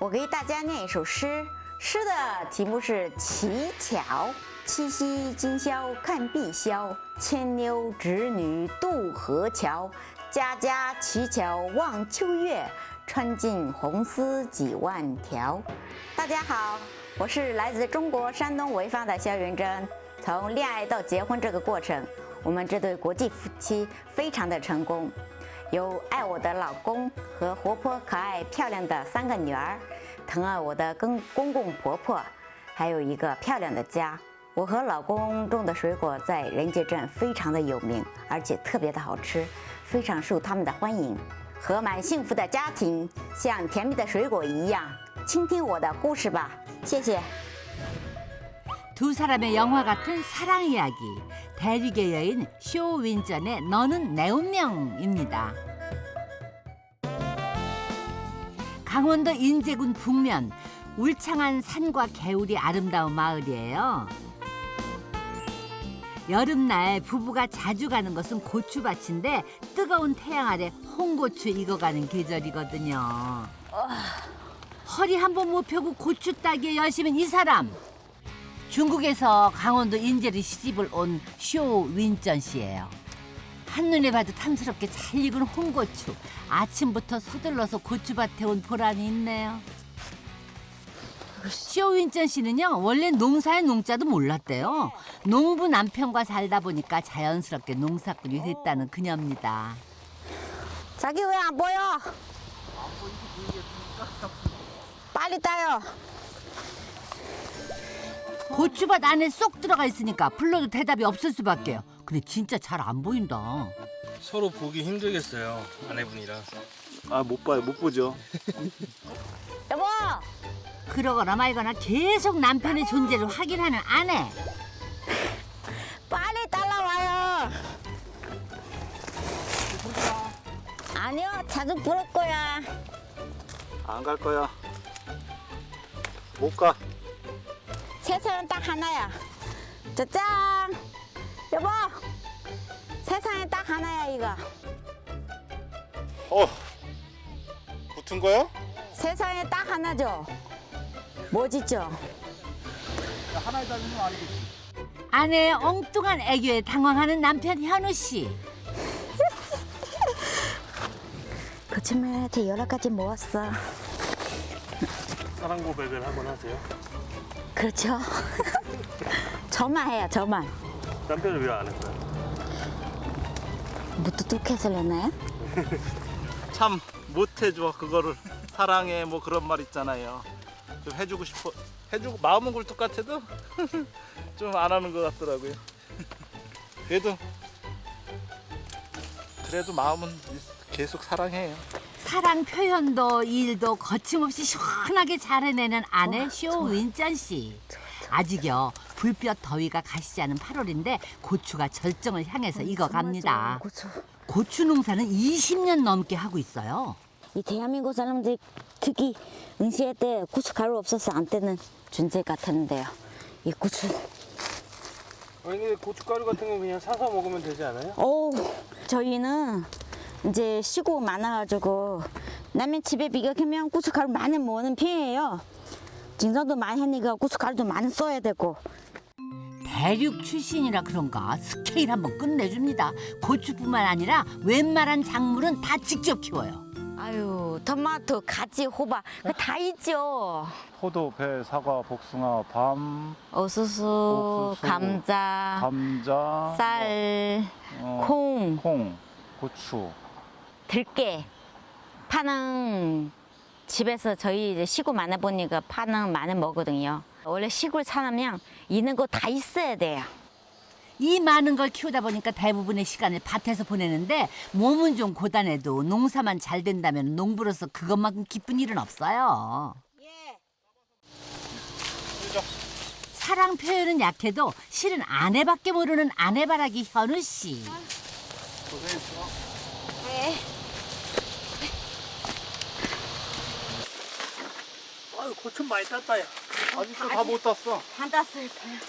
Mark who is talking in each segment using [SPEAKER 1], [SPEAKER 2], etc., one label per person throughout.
[SPEAKER 1] 我给大家念一首诗，诗的题目是《乞巧》。七夕今宵看碧霄，牵牛织女渡河桥。家家乞巧望秋月，穿尽红丝几万条。大家好，我是来自中国山东潍坊的肖元珍。从恋爱到结婚这个过程，我们这对国际夫妻非常的成功。有爱我的老公和活泼可爱漂亮的3个女儿，疼爱我的公公婆婆，还有一个漂亮的家。我和老公种的水果在人杰镇非常的有名，而且特别的好吃，非常受他们的欢迎。和满幸福的家庭像甜蜜的水果一样，倾听我的故事吧，谢谢。
[SPEAKER 2] 두 사람의 영화 같은 사랑 이야기. 대륙의 여인 쇼 윈전의 너는 내 운명입니다. 강원도 인제군 북면 울창한 산과 개울이 아름다운 마을이에요. 여름날 부부가 자주 가는 것은 고추밭인데 뜨거운 태양 아래 홍고추 익어가는 계절이거든요. 허리 한 번 못 펴고 고추 따기에 열심인 이 사람. 중국에서 강원도 인제로 시집을 온 쇼 윈전 씨예요. 한눈에 봐도 탐스럽게 잘 익은 홍고추. 아침부터 서둘러서 고추밭에 온 보람이 있네요. 쇼 윈전 씨는요, 원래 농사의 농자도 몰랐대요. 농부 남편과 살다 보니까 자연스럽게 농사꾼이 됐다는 그녀입니다.
[SPEAKER 1] 자기 왜 안 보여? 빨리 따요.
[SPEAKER 2] 고추밭 안에 쏙 들어가 있으니까 불러도 대답이 없을 수밖에요. 근데 진짜 잘 안 보인다.
[SPEAKER 3] 서로 보기 힘들겠어요, 아내분이랑.
[SPEAKER 4] 아, 못 봐요. 못 보죠.
[SPEAKER 1] 여보!
[SPEAKER 2] 그러거나 말거나 계속 남편의 존재를 확인하는 아내.
[SPEAKER 1] 빨리 따라와요. 아니요, 자주 부를 거야.
[SPEAKER 4] 안 갈 거야. 못 가.
[SPEAKER 1] 세상은 딱 하나야. 짜잔! 여보! 세상에 딱 하나야, 이거.
[SPEAKER 4] 붙은 거야?
[SPEAKER 1] 세상에 딱 하나죠? 뭐지죠?
[SPEAKER 4] 하나에 달리면 알겠지.
[SPEAKER 2] 아내의 엉뚱한 애교에 당황하는 남편 현우 씨.
[SPEAKER 1] 거짓말한테 여러 가지 모았어.
[SPEAKER 3] 사랑 고백을 한번 하세요.
[SPEAKER 1] 그렇죠? 저만 해요, 저만.
[SPEAKER 3] 남편을 왜 안 했어요?
[SPEAKER 1] 무뚝뚝해서 그러나요?
[SPEAKER 4] 참 못해줘 그거를. 사랑해 뭐 그런 말 있잖아요. 좀 해주고 싶어. 해주고 마음은 굴뚝 같아도 좀 안 하는 것 같더라고요. 그래도 마음은 계속 사랑해요.
[SPEAKER 2] 사랑 표현도 일도 거침없이 시원하게 잘 해내는 아내 쇼 윈전 씨. 아직요 불볕 더위가 가시지 않은 8월인데 고추가 절정을 향해서 익어갑니다. 고추 농사는 20년 넘게 하고 있어요.
[SPEAKER 1] 이 대한민국 사람들이 특히 응시할 때 고춧가루 없어서 안 떼는 존재 같았는데요. 이 고추.
[SPEAKER 3] 아니, 고춧가루 같은 거 그냥 사서 먹으면 되지 않아요?
[SPEAKER 1] 저희는 이제 시고 많아가지고 남의 집에 비교하면 고춧가루 많이 먹는 편이에요. 진성도 많이 하니까 고춧가루도 많이 써야 되고.
[SPEAKER 2] 대륙 출신이라 그런가 스케일 한번 끝내줍니다. 고추뿐만 아니라 웬만한 작물은 다 직접 키워요.
[SPEAKER 1] 아유, 토마토, 가지, 호박 다 있죠.
[SPEAKER 5] 포도, 배, 사과, 복숭아, 밤,
[SPEAKER 1] 옥수수,
[SPEAKER 5] 옥수수,
[SPEAKER 1] 감자,
[SPEAKER 5] 감자,
[SPEAKER 1] 쌀,
[SPEAKER 5] 어,
[SPEAKER 1] 콩,
[SPEAKER 5] 콩, 고추.
[SPEAKER 1] 들깨. 파는 집에서 저희 이제 시골 많아 보니까 파는 많이 먹거든요. 원래 시골 사람이랑 있는 거 다 있어야 돼요.
[SPEAKER 2] 이 많은 걸 키우다 보니까 대부분의 시간을 밭에서 보내는데 몸은 좀 고단해도 농사만 잘 된다면 농부로서 그것만큼 기쁜 일은 없어요. 사랑 표현은 약해도 실은 아내밖에 모르는 아내바라기 현우 씨.
[SPEAKER 3] 아유, 고추 많이 땄다, 야.
[SPEAKER 4] 아직도 다 못 땄어.
[SPEAKER 1] 다 땄어요.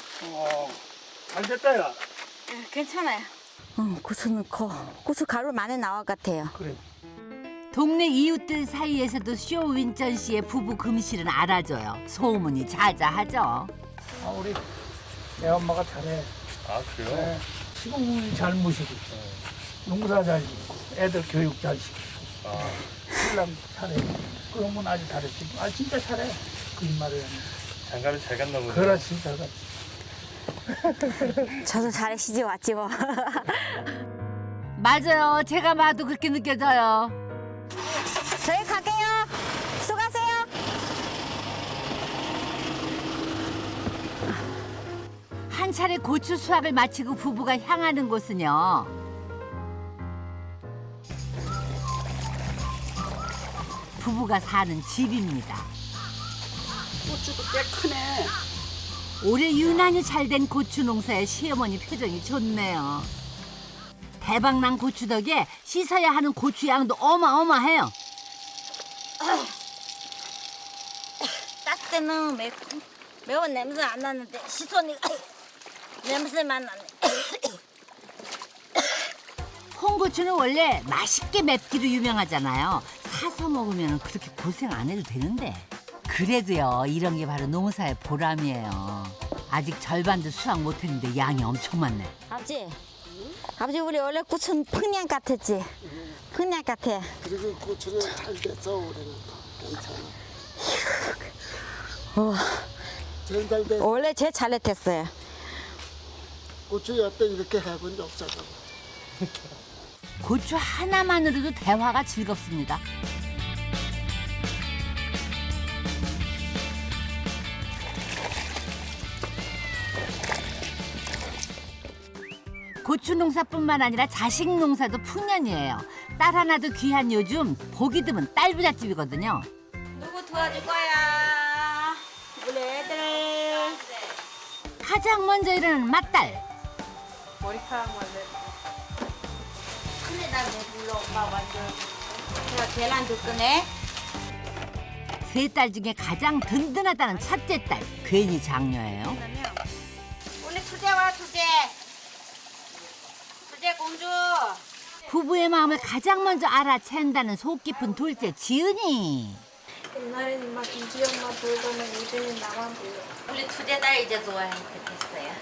[SPEAKER 3] 잘 됐다, 야.
[SPEAKER 1] 괜찮아요. 고추는 커. 고추 가루 많이 나와 같아요.
[SPEAKER 3] 그래.
[SPEAKER 2] 동네 이웃들 사이에서도 쇼윈전 씨의 부부 금실은 알아줘요. 소문이 자자하죠.
[SPEAKER 6] 우리 애 엄마가 잘해.
[SPEAKER 3] 아 그래요?
[SPEAKER 6] 네. 시공이 잘 모시고, 농사 잘 짓고, 애들 교육 잘 시키고, 신랑 잘해. 그런 건 아주 잘했지. 진짜 잘해. 거짓말을.
[SPEAKER 3] 장가를 잘 갔나 보네.
[SPEAKER 6] 그렇지, 잘 갔지.
[SPEAKER 1] 저도 잘하시지 왔지 뭐.
[SPEAKER 2] 맞아요. 제가 봐도 그렇게 느껴져요.
[SPEAKER 1] 저희 갈게요. 수고하세요.
[SPEAKER 2] 한 차례 고추 수확을 마치고 부부가 향하는 곳은요. 부부가 사는 집입니다.
[SPEAKER 7] 고추도 꽤 크네.
[SPEAKER 2] 올해 유난히 잘된 고추 농사에 시어머니 표정이 좋네요. 대박난 고추 덕에 씻어야 하는 고추 양도 어마어마해요.
[SPEAKER 8] 땄을 때는 매운 냄새 안 나는데 씻으니까 냄새만 나네.
[SPEAKER 2] 홍고추는 원래 맛있게 맵기로 유명하잖아요. 사서 먹으면 그렇게 고생 안 해도 되는데. 그래도요, 이런 게 바로 농사의 보람이에요. 아직 절반도 수확 못했는데 양이 엄청 많네.
[SPEAKER 1] 아버지 우리 원래 고추는 팽냥 같았지. 팽냥 같아.
[SPEAKER 7] 그리고 고추는 잘 됐어 올해는. 괜찮아. 제일 잘 됐어.
[SPEAKER 1] 원래 제일 잘했댔어요.
[SPEAKER 7] 고추 여태 이렇게 해본 적 없어.
[SPEAKER 2] 고추 하나만으로도 대화가 즐겁습니다. 고추 농사뿐만 아니라 자식 농사도 풍년이에요. 딸 하나도 귀한 요즘 보기 드문 딸 부잣집이거든요.
[SPEAKER 8] 누구 도와줄 거야? 우리 애들.
[SPEAKER 2] 가장 먼저 일어나는 맏딸.
[SPEAKER 8] 큰애다 내 불러 엄마 완전. 제가 계란도 끄네.
[SPEAKER 2] 세 딸 중에 가장 든든하다는 첫째 딸. 괜히 장녀예요.
[SPEAKER 8] 우리 투제 와 투제. 투제 공주.
[SPEAKER 2] 부부의 마음을 가장 먼저 알아챈다는 속 깊은 둘째 지은이.
[SPEAKER 9] 옛날에는 막 이지 엄마 부르더니 이제는 나만 불러.
[SPEAKER 8] 우리 투제 딸 이제 좋아하게 됐어요.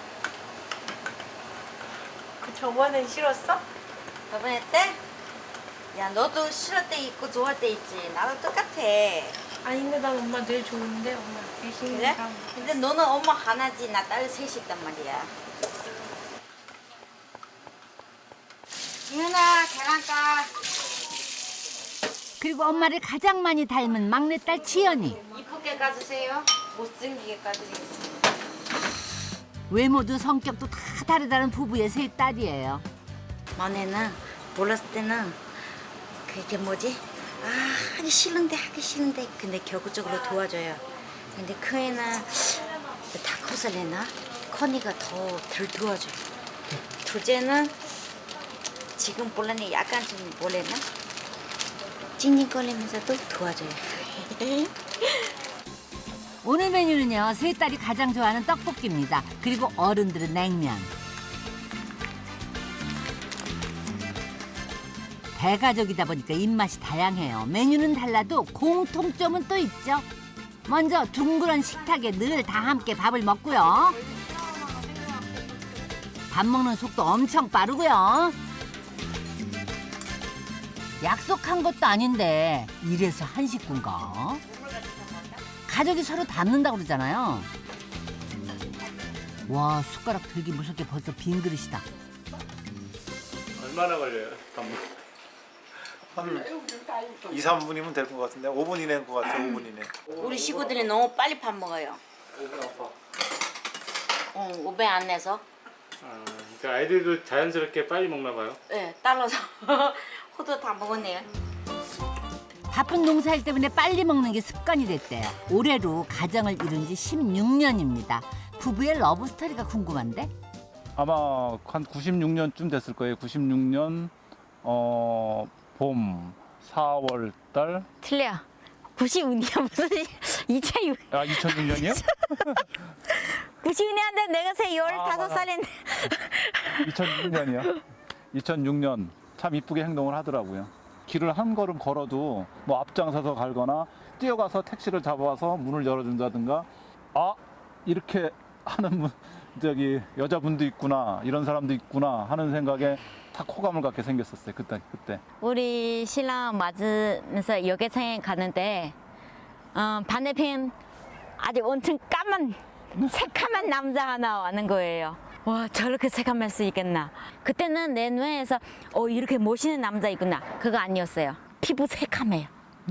[SPEAKER 9] 그 저번엔 싫었어?
[SPEAKER 8] 저번에 때? 야 너도 싫을 때 있고 좋아할 때 있지. 나도 똑같아.
[SPEAKER 9] 아닌데 난 엄마 늘 좋은데 엄마 대신
[SPEAKER 8] 그래? 근데 너는 엄마 하나지 나 딸 셋이 있단 말이야. 지은아 계란 까.
[SPEAKER 2] 그리고 엄마를 가장 많이 닮은 막내딸 지연이.
[SPEAKER 8] 이쁘게 까주세요. 못생기게 까드리겠습니다.
[SPEAKER 2] 외모도 성격도 다 다르다는 부부의 세 딸이에요.
[SPEAKER 8] 만에는 몰랐을 때는 그게 뭐지? 하기 싫은데 근데 결국적으로 도와줘요. 근데 큰 애는 다 컷을 내나? 커니가 더 덜 도와줘요. 둘째는 지금 볼라니 약간 좀 뭐래나? 찡찡거리면서도 도와줘요.
[SPEAKER 2] 오늘 메뉴는요, 세 딸이 가장 좋아하는 떡볶이입니다. 그리고 어른들은 냉면. 대가족이다 보니까 입맛이 다양해요. 메뉴는 달라도 공통점은 또 있죠. 먼저 둥그런 식탁에 늘 다 함께 밥을 먹고요. 밥 먹는 속도 엄청 빠르고요. 약속한 것도 아닌데 이래서 한 식구인가? 가족이 서로 닮는다고 그러잖아요. 와, 숟가락 들기 무섭게 벌써 빈 그릇이다.
[SPEAKER 3] 얼마나 걸려요?
[SPEAKER 5] 한 2, 3분이면 될 것 같은데 5분 이내인 것 같아요. 5분 이내.
[SPEAKER 8] 우리 식구들이 너무 빨리 밥 먹어요. 오배 안 내서.
[SPEAKER 3] 그러니까 아이들도 자연스럽게 빨리 먹나 봐요.
[SPEAKER 8] 네, 딸러서 호두 다 먹었네요.
[SPEAKER 2] 바쁜 농사일 때문에 빨리 먹는 게 습관이 됐대요. 올해로 가정을 이룬 지 16년입니다. 부부의 러브스토리가 궁금한데?
[SPEAKER 5] 아마 한 96년쯤 됐을 거예요. 96년 봄 4월 달.
[SPEAKER 1] 틀려. 90년이야 무슨 2006.
[SPEAKER 5] 2006년이요?
[SPEAKER 1] 90년인데 내가 새 15살인데.
[SPEAKER 5] 2006년이요. 2006년 참 이쁘게 행동을 하더라고요. 길을 한 걸음 걸어도 뭐 앞장서서 갈거나 뛰어가서 택시를 잡아와서 문을 열어준다든가, 아 이렇게 하는 저기 여자분도 있구나, 이런 사람도 있구나 하는 생각에 다 호감을 갖게 생겼었어요. 그때.
[SPEAKER 1] 우리 신랑 맞으면서 여객선에 가는데 반대편 아주 엄청 까만 새카만 남자 하나 와는 거예요. 와, 저렇게 새카만 수 있겠나. 그때는 내 눈에서 이렇게 멋있는 남자 있구나, 그거 아니었어요. 피부 새카매요.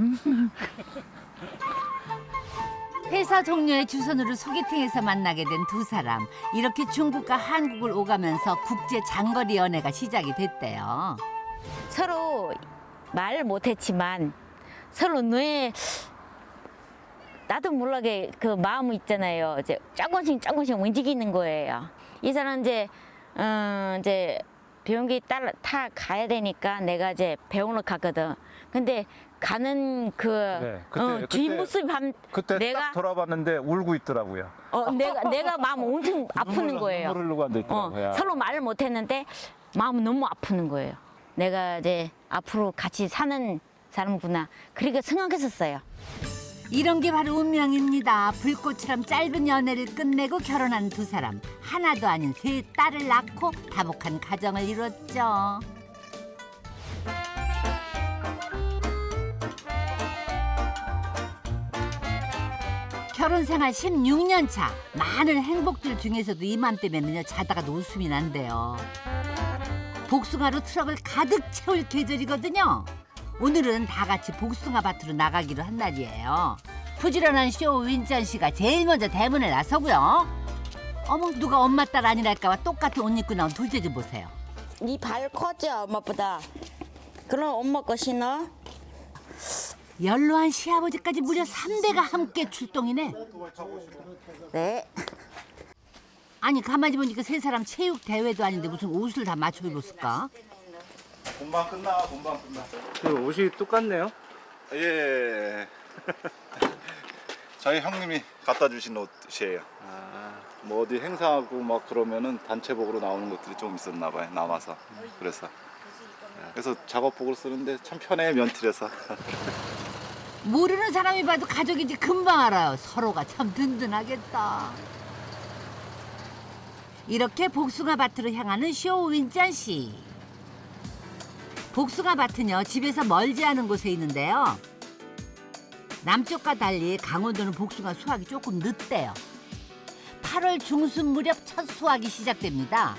[SPEAKER 2] 회사 동료의 주선으로 소개팅에서 만나게 된 두 사람. 이렇게 중국과 한국을 오가면서 국제 장거리 연애가 시작이 됐대요.
[SPEAKER 1] 서로 말 못했지만 서로 눈에 나도 모르게 그 마음이 있잖아요. 이제 조금씩 움직이는 거예요. 이 사람 이제 비행기 타 가야 되니까 내가 이제 병원을 갔거든. 근데 가는 주인 모습이
[SPEAKER 5] 그때
[SPEAKER 1] 내가
[SPEAKER 5] 딱 돌아봤는데 울고 있더라고요.
[SPEAKER 1] 내가 마음 엄청 아프는 거예요.
[SPEAKER 5] 눈물 흘리고 앉아있더라고요.
[SPEAKER 1] 서로 말을 못했는데 마음 너무 아프는 거예요. 내가 이제 앞으로 같이 사는 사람구나, 그렇게 생각했었어요.
[SPEAKER 2] 이런 게 바로 운명입니다. 불꽃처럼 짧은 연애를 끝내고 결혼한 두 사람. 하나도 아닌 세 딸을 낳고 다복한 가정을 이뤘죠. 결혼 생활 16년 차. 많은 행복들 중에서도 이맘때면은요, 자다가도 웃음이 난대요. 복숭아로 트럭을 가득 채울 계절이거든요. 오늘은 다 같이 복숭아 밭으로 나가기로 한 날이에요. 부지런한 쇼윈전 씨가 제일 먼저 대문에 나서고요. 어머, 누가 엄마 딸 아니랄까봐 똑같은 옷 입고 나온 둘째 좀 보세요.
[SPEAKER 1] 네 발 커져, 엄마보다. 그럼 엄마 거 신어?
[SPEAKER 2] 연로한 시아버지까지 무려 3대가 함께 출동이네.
[SPEAKER 1] 네.
[SPEAKER 2] 아니, 가만히 보니까 세 사람 체육 대회도 아닌데 무슨 옷을 다 맞춰 입었을까?
[SPEAKER 5] 금방 끝나.
[SPEAKER 3] 그 옷이 똑같네요.
[SPEAKER 10] 예. 저희 형님이 갖다 주신 옷이에요. 뭐 어디 행사하고 막 그러면은 단체복으로 나오는 것들이 좀 있었나 봐요. 남아서. 그래서 작업복을 쓰는데 참 편해요, 면티라서.
[SPEAKER 2] 모르는 사람이 봐도 가족인지 금방 알아요. 서로가 참 든든하겠다. 이렇게 복숭아 밭으로 향하는 쇼윈짠 씨. 복숭아 밭은요, 집에서 멀지 않은 곳에 있는데요. 남쪽과 달리 강원도는 복숭아 수확이 조금 늦대요. 8월 중순 무렵 첫 수확이 시작됩니다.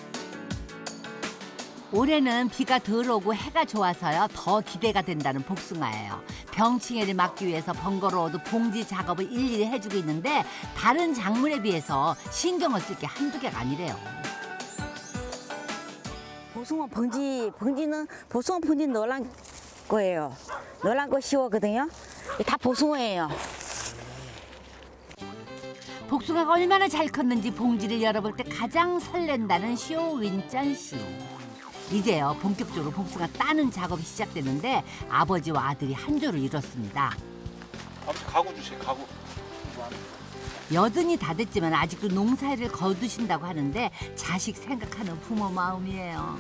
[SPEAKER 2] 올해는 비가 덜 오고 해가 좋아서요, 더 기대가 된다는 복숭아예요. 병충해를 막기 위해서 번거로워도 봉지 작업을 일일이 해주고 있는데 다른 작물에 비해서 신경을 쓸 게 한두 개가 아니래요.
[SPEAKER 1] 복숭아 봉지는 복숭아 봉지 노란 거예요. 노란 거 씌웠거든요. 다 복숭아예요.
[SPEAKER 2] 복숭아가 얼마나 잘 컸는지 봉지를 열어볼 때 가장 설렌다는 쇼윈짠 씨. 이제요, 본격적으로 복숭아 따는 작업이 시작됐는데 아버지와 아들이 한 조를 이뤘습니다.
[SPEAKER 10] 아버지 가구 주세요, 가구.
[SPEAKER 2] 80이 다 됐지만 아직도 농사일을 거두신다고 하는데 자식 생각하는 부모 마음이에요.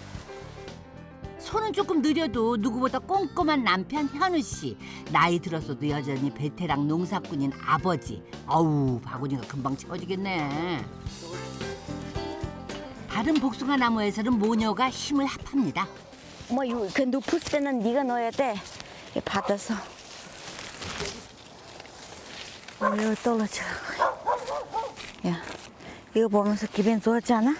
[SPEAKER 2] 손은 조금 느려도 누구보다 꼼꼼한 남편 현우 씨. 나이 들었어도 여전히 베테랑 농사꾼인 아버지. 어우, 바구니가 금방 채워지겠네. 다른 복숭아 나무에서는 모녀가 힘을 합합니다.
[SPEAKER 1] 엄마, 그 높을 때는 네가 넣어야 돼. 받아서. 여기 떨어져. 야, 이거 보면서 기분 좋았지 않아?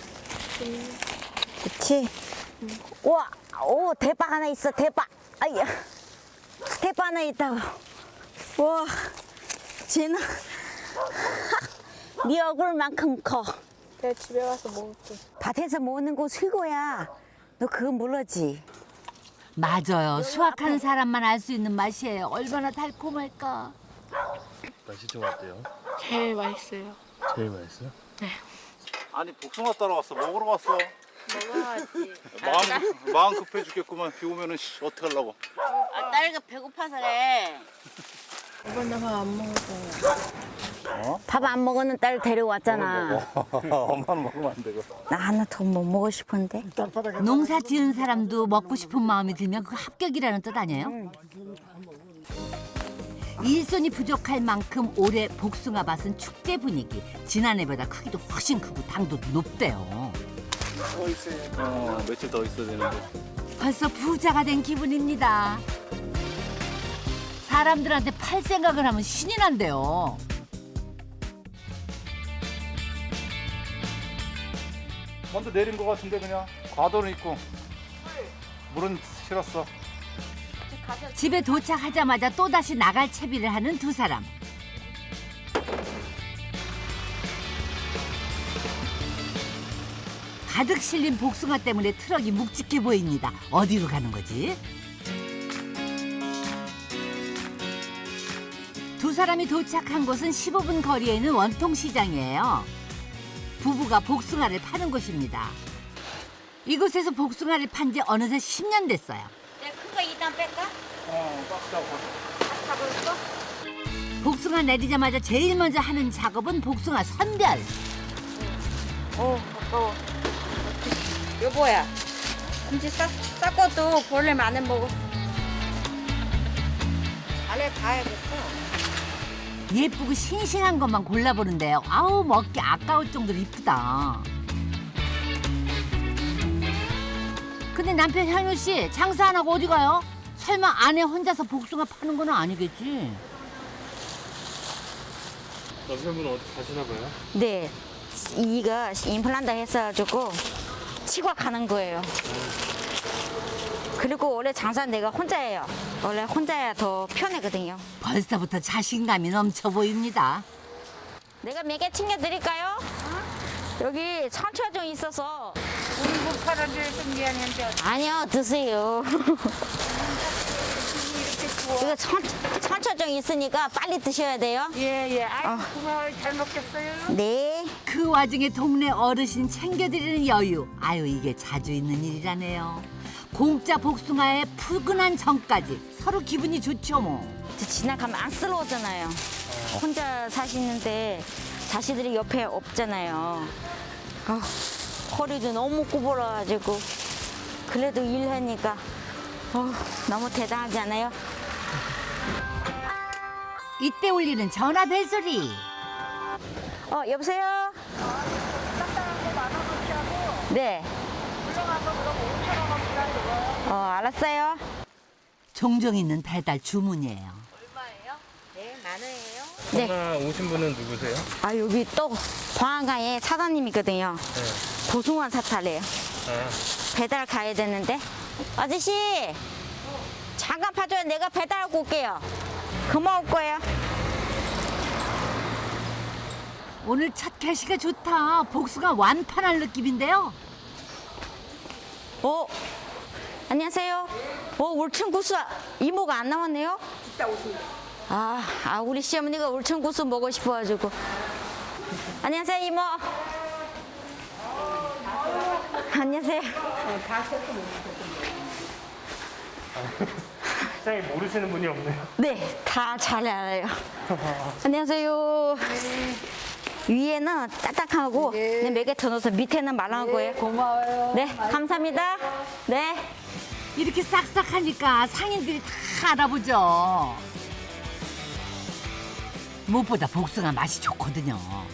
[SPEAKER 1] 그치? 우와, 오, 대박 하나 있어, 대박. 아야, 대박 하나 있다고. 우와, 쟤는 네 얼굴만큼 커.
[SPEAKER 9] 내가 집에 가서 먹을게.
[SPEAKER 1] 밭에서 먹는 거 최고야. 너 그거 모르지?
[SPEAKER 2] 맞아요. 수확하는 사람만 알 수 있는 맛이에요. 얼마나 달콤할까.
[SPEAKER 3] 맛이 좀 어때요?
[SPEAKER 9] 제일 맛있어요.
[SPEAKER 3] 제일 맛있어요?
[SPEAKER 10] 아니 복숭아 따라왔어. 먹으러 왔어.
[SPEAKER 8] 먹어야지.
[SPEAKER 10] 마음 급해 죽겠구만. 비 오면은 어떡하려고.
[SPEAKER 8] 딸가 배고파서 그래.
[SPEAKER 9] 이번 나밥 안 먹어서.
[SPEAKER 1] 밥 안 먹는 딸 데려왔잖아.
[SPEAKER 10] 엄마는 먹으면 안 되고.
[SPEAKER 1] 나 하나 더 못 먹고 싶은데.
[SPEAKER 2] 농사 지은 사람도 먹고 싶은 마음이 들면 그 합격이라는 뜻 아니에요? 일손이 부족할 만큼 올해 복숭아 밭은 축제 분위기. 지난해보다 크기도 훨씬 크고 당도도 높대요.
[SPEAKER 10] 며칠 더 있어야 되는데.
[SPEAKER 2] 벌써 부자가 된 기분입니다. 사람들한테 팔 생각을 하면 신이 난대요.
[SPEAKER 5] 먼저 내린 것 같은데 그냥 과도는 있고 물은 실었어.
[SPEAKER 2] 집에 도착하자마자 또다시 나갈 채비를 하는 두 사람. 가득 실린 복숭아 때문에 트럭이 묵직해 보입니다. 어디로 가는 거지? 두 사람이 도착한 곳은 15분 거리에 있는 원통시장이에요. 부부가 복숭아를 파는 곳입니다. 이곳에서 복숭아를 판 지 어느새 10년 됐어요.
[SPEAKER 8] 내가 큰 거 일단 뺄까? 잡을까?
[SPEAKER 2] 복숭아 내리자마자 제일 먼저 하는 작업은 복숭아 선별.
[SPEAKER 8] 아까워. 여보야, 김치 쌌고도 벌레 많은 먹어. 잘해 봐야겠어.
[SPEAKER 2] 예쁘고 싱싱한 것만 골라보는데요. 아우 먹기 아까울 정도로 이쁘다. 근데 남편 현우 씨 장사 안 하고 어디 가요? 설마 아내 혼자서 복숭아 파는 건 아니겠지?
[SPEAKER 3] 남편분은 어디 가시나 봐요?
[SPEAKER 1] 네, 이가 임플란트 했어가지고 치과 가는 거예요. 그리고 원래 장사 내가 혼자예요. 원래 혼자야 더 편하거든요.
[SPEAKER 2] 벌써부터 자신감이 넘쳐 보입니다.
[SPEAKER 1] 내가 몇 개 챙겨드릴까요? 여기 상추가 좀 있어서.
[SPEAKER 6] 우리 못 팔아줘야 좀 미안한데
[SPEAKER 1] 아니요, 드세요.
[SPEAKER 6] 이렇게 좋아.
[SPEAKER 1] 이거 상추가 좀 있으니까 빨리 드셔야 돼요.
[SPEAKER 6] 예예. 아이고 고마워요. 잘 먹겠어요.
[SPEAKER 1] 네.
[SPEAKER 2] 그 와중에 동네 어르신 챙겨드리는 여유. 아유 이게 자주 있는 일이라네요. 공짜 복숭아에 푸근한 정까지 서로 기분이 좋죠 뭐.
[SPEAKER 1] 지나가면 안쓰러워잖아요. 혼자 사시는데 자식들이 옆에 없잖아요. 허리도 너무 구부러가지고 그래도 일하니까 너무 대단하지 않아요?
[SPEAKER 2] 이때 울리는 전화 벨소리.
[SPEAKER 1] 여보세요? 네. 알았어요.
[SPEAKER 2] 종종 있는 배달 주문이에요.
[SPEAKER 8] 얼마예요? 네, 만 원이에요.
[SPEAKER 1] 네.
[SPEAKER 3] 전화 오신 분은 누구세요?
[SPEAKER 1] 여기 또 광안가에 사장님이거든요.
[SPEAKER 3] 네.
[SPEAKER 1] 고승환 사찰이에요. 배달 가야 되는데. 아저씨, 잠깐 봐줘요. 내가 배달하고 올게요. 고마울 거예요.
[SPEAKER 2] 오늘 첫 개시가 좋다. 복숭아 완판할 느낌인데요.
[SPEAKER 1] 안녕하세요. 울천구수 이모가 안 나왔네요? 이따 오신다. 우리 시어머니가 울천구수 먹고 싶어가지고. 안녕하세요, 이모. 안녕하세요.
[SPEAKER 3] 시장에 모르시는 분이 없네요.
[SPEAKER 1] 네, 다 잘 알아요. 안녕하세요. 위에는 딱딱하고 몇 개 더 넣어서 밑에는 말랑한 거예요.
[SPEAKER 9] 고마워요.
[SPEAKER 1] 네, 감사합니다. 네.
[SPEAKER 2] 이렇게 싹싹하니까 상인들이 다 알아보죠. 무엇보다 복숭아 맛이 좋거든요.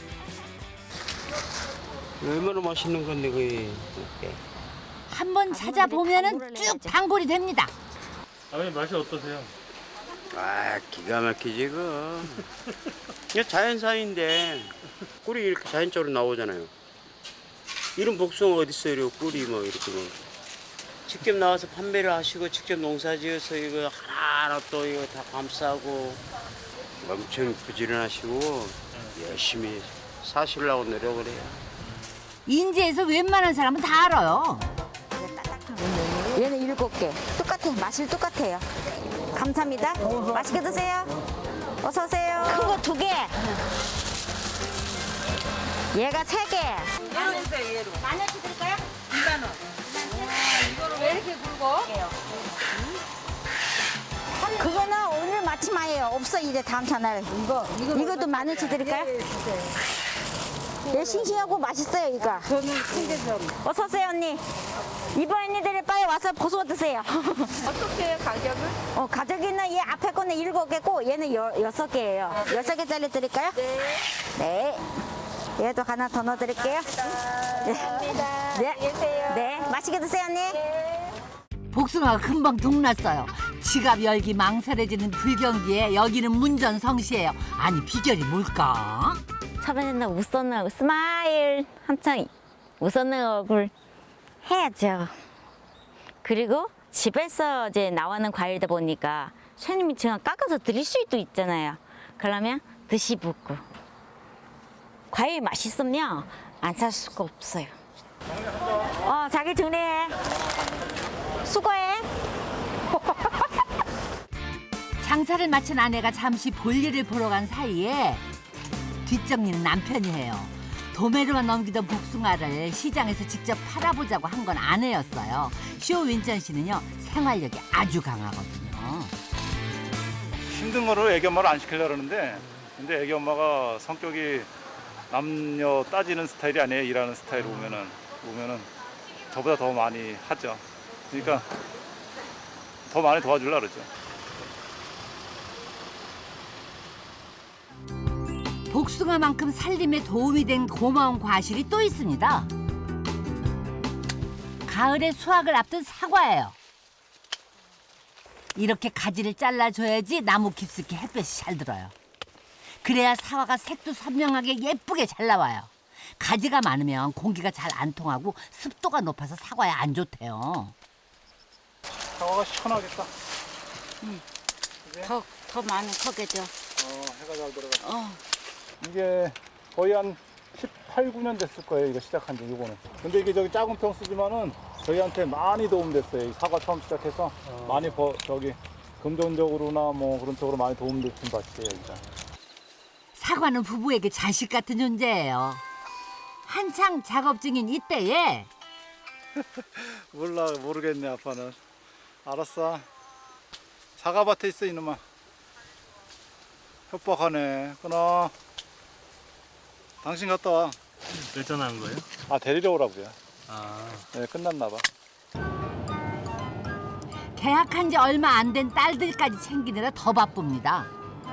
[SPEAKER 3] 얼마나 맛있는 건데 그게.
[SPEAKER 2] 한번 찾아보면은 쭉 단골이 됩니다.
[SPEAKER 3] 아버님 맛이 어떠세요?
[SPEAKER 11] 기가 막히지 그. 이게 자연산인데 꿀이 이렇게 자연적으로 나오잖아요. 이런 복숭아 어디 있어요? 이렇게 꿀이 뭐 이렇게 뭐. 직접 나와서 판매를 하시고 직접 농사지어서 이거 하나하나 또 이거 다 감싸고 엄청 부지런하시고 열심히 사시려고 노력을 해요.
[SPEAKER 2] 인제에서 웬만한 사람은 다 알아요.
[SPEAKER 1] 얘는 7개. 똑같아. 맛이 똑같아요. 감사합니다. 맛있게 드세요. 어서 오세요. 큰 거 2개. 얘가 3개.
[SPEAKER 8] 얘로 주세요, 얘로. 만 원씩 드릴까요? 2만 원. 이거를 왜 이렇게 굵어?
[SPEAKER 1] 그거는 오늘 앞치마예요. 없어 이제 다음 차날. 이것도 10,000원치 드릴까요? 예, 싱싱하고 맛있어요 이거.
[SPEAKER 9] 저는 큰게 좀.
[SPEAKER 1] 어서 오세요 언니. 이번 언니들이 빨리 와서 보소 드세요.
[SPEAKER 9] 어떻게 해요, 가격을?
[SPEAKER 1] 가격이는 얘 앞에 거는 7개고 얘는 6개예요. 6개짜리 드릴까요?
[SPEAKER 9] 네.
[SPEAKER 1] 네. 얘도 하나 더 넣어드릴게요.
[SPEAKER 9] 감사합니다.
[SPEAKER 1] 네.
[SPEAKER 9] 안녕히 계세요.
[SPEAKER 1] 네. 맛있게 드세요 언니.
[SPEAKER 2] 복숭아가 금방 동났어요. 지갑 열기 망설여지는 불경기에 여기는 문전성시예요. 아니 비결이 뭘까?
[SPEAKER 1] 처음에는 웃었는 스마일 한창 웃었는 얼굴 해야죠. 그리고 집에서 이제 나오는 과일이다 보니까 셰님이 제가 깎아서 드릴 수도 있잖아요. 그러면 드시고 과일 맛있으면 안 살 수가 없어요. 자기 정리해. 수고해.
[SPEAKER 2] 장사를 마친 아내가 잠시 볼일을 보러 간 사이에 뒷정리는 남편이 해요. 도매로만 넘기던 복숭아를 시장에서 직접 팔아보자고 한 건 아내였어요. 쇼윈전 씨는요 생활력이 아주 강하거든요.
[SPEAKER 5] 힘든 거를 애기 엄마를 안 시키려고 그러는데 근데 애기 엄마가 성격이 남녀 따지는 스타일이 아니에요. 일하는 스타일로 보면은 저보다 더 많이 하죠. 그러니까 더 많이 도와주려고 그러죠.
[SPEAKER 2] 복숭아만큼 살림에 도움이 된 고마운 과실이 또 있습니다. 가을에 수확을 앞둔 사과예요. 이렇게 가지를 잘라줘야지 나무 깊숙이 햇볕이 잘 들어요. 그래야 사과가 색도 선명하게 예쁘게 잘 나와요. 가지가 많으면 공기가 잘 안 통하고 습도가 높아서 사과에 안 좋대요.
[SPEAKER 5] 사과가 시원하겠다.
[SPEAKER 1] 더 많은 거겠죠.
[SPEAKER 5] 해가 잘 들어가. 이게 거의 한 18, 9년 됐을 거예요. 이거 시작한 지 이거는. 근데 이게 저기 작은 평 쓰지만은 저희한테 많이 도움됐어요. 이 사과 처음 시작해서 많이 금전적으로나 뭐 그런 쪽으로 많이 도움을 준 밭이에요. 일단.
[SPEAKER 2] 사과는 부부에게 자식 같은 존재예요. 한창 작업 중인 이때에
[SPEAKER 5] 모르겠네 아빠는. 알았어. 사과밭에 있어 이놈아. 협박하네. 끊어. 당신 갔다 와.
[SPEAKER 3] 몇 전화한 거예요?
[SPEAKER 5] 데리러 오라고요.
[SPEAKER 3] 네,
[SPEAKER 5] 끝났나 봐.
[SPEAKER 2] 계약한 지 얼마 안 된 딸들까지 챙기느라 더 바쁩니다.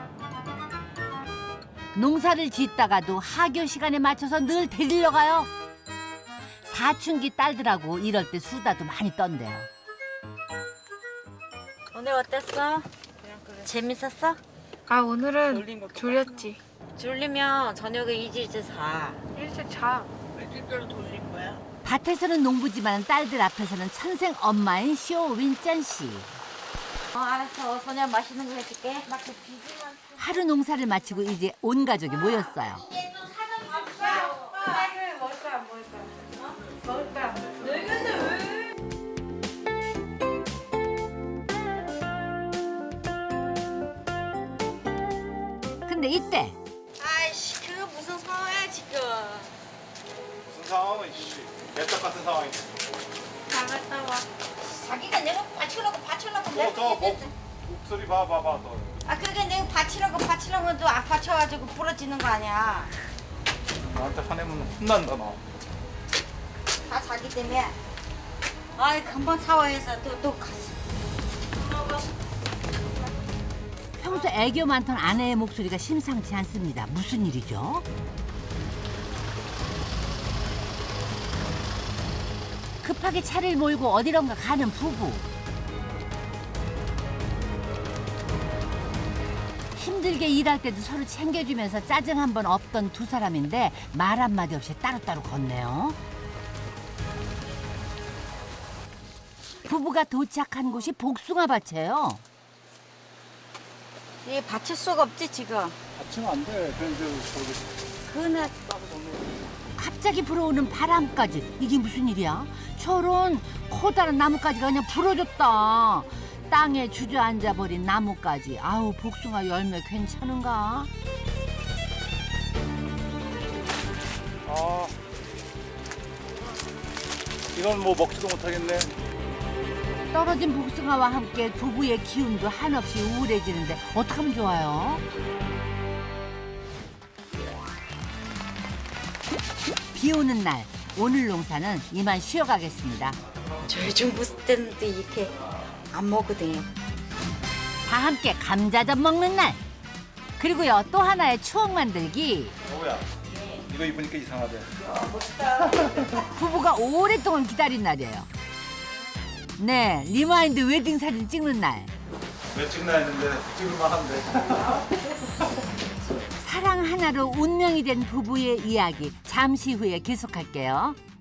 [SPEAKER 2] 농사를 짓다가도 하교 시간에 맞춰서 늘 데리러 가요. 사춘기 딸들하고 이럴 때 수다도 많이 떤대요.
[SPEAKER 8] 오늘 어땠어? 재밌었어?
[SPEAKER 9] 오늘은 졸렸지.
[SPEAKER 8] 졸리면 저녁에 일찍 자.
[SPEAKER 9] 일찍 자.
[SPEAKER 2] 밭에서는 농부지만 딸들 앞에서는 천생 엄마인 쇼윈짠 씨.
[SPEAKER 8] 알았어. 저녁 맛있는 거 해줄게.
[SPEAKER 2] 하루 농사를 마치고 이제 온 가족이 모였어요. 근데 이때
[SPEAKER 8] 아이씨, 그거 무슨 상황이야 지금?
[SPEAKER 5] 무슨 상황은 개떡 같은 상황이네.
[SPEAKER 8] 나갔다 와. 자기가 내가 받치려고
[SPEAKER 5] 목소리 봐봐 너.
[SPEAKER 8] 그게 내가 받치려고 또 받쳐가지고 부러지는 거 아니야.
[SPEAKER 5] 나한테 화내면 혼난다 너.
[SPEAKER 8] 다 자기 때문에. 금방 샤워해서 또 갔어.
[SPEAKER 2] 평소 애교 많던 아내의 목소리가 심상치 않습니다. 무슨 일이죠? 급하게 차를 몰고 어디론가 가는 부부. 힘들게 일할 때도 서로 챙겨주면서 짜증 한 번 없던 두 사람인데 말 한마디 없이 따로따로 걷네요. 부부가 도착한 곳이 복숭아 밭이에요.
[SPEAKER 8] 이게 받칠 수가 없지 지금.
[SPEAKER 5] 받치면 안 돼.
[SPEAKER 8] 그네.
[SPEAKER 2] 갑자기 불어오는 바람까지. 이게 무슨 일이야? 저런 커다란 나뭇가지가 그냥 부러졌다. 땅에 주저앉아 버린 나뭇가지. 아우, 복숭아 열매 괜찮은가?
[SPEAKER 5] 이건 뭐 먹지도 못하겠네.
[SPEAKER 2] 떨어진 복숭아와 함께 부부의 기운도 한없이 우울해지는데 어떡하면 좋아요? 비 오는 날 오늘 농사는 이만 쉬어가겠습니다.
[SPEAKER 8] 저희 좀 무슨 때는데 이렇게 안 먹거든요.
[SPEAKER 2] 다 함께 감자전 먹는 날. 그리고요 또 하나의 추억 만들기.
[SPEAKER 5] 여보야, 이거 입으니까 이상하대.
[SPEAKER 2] 부부가 오랫동안 기다린 날이에요. 네, 리마인드 웨딩 사진 찍는 날.
[SPEAKER 5] 왜 찍나 했는데 찍을만 한데.
[SPEAKER 2] 사랑 하나로 운명이 된 부부의 이야기 잠시 후에 계속할게요.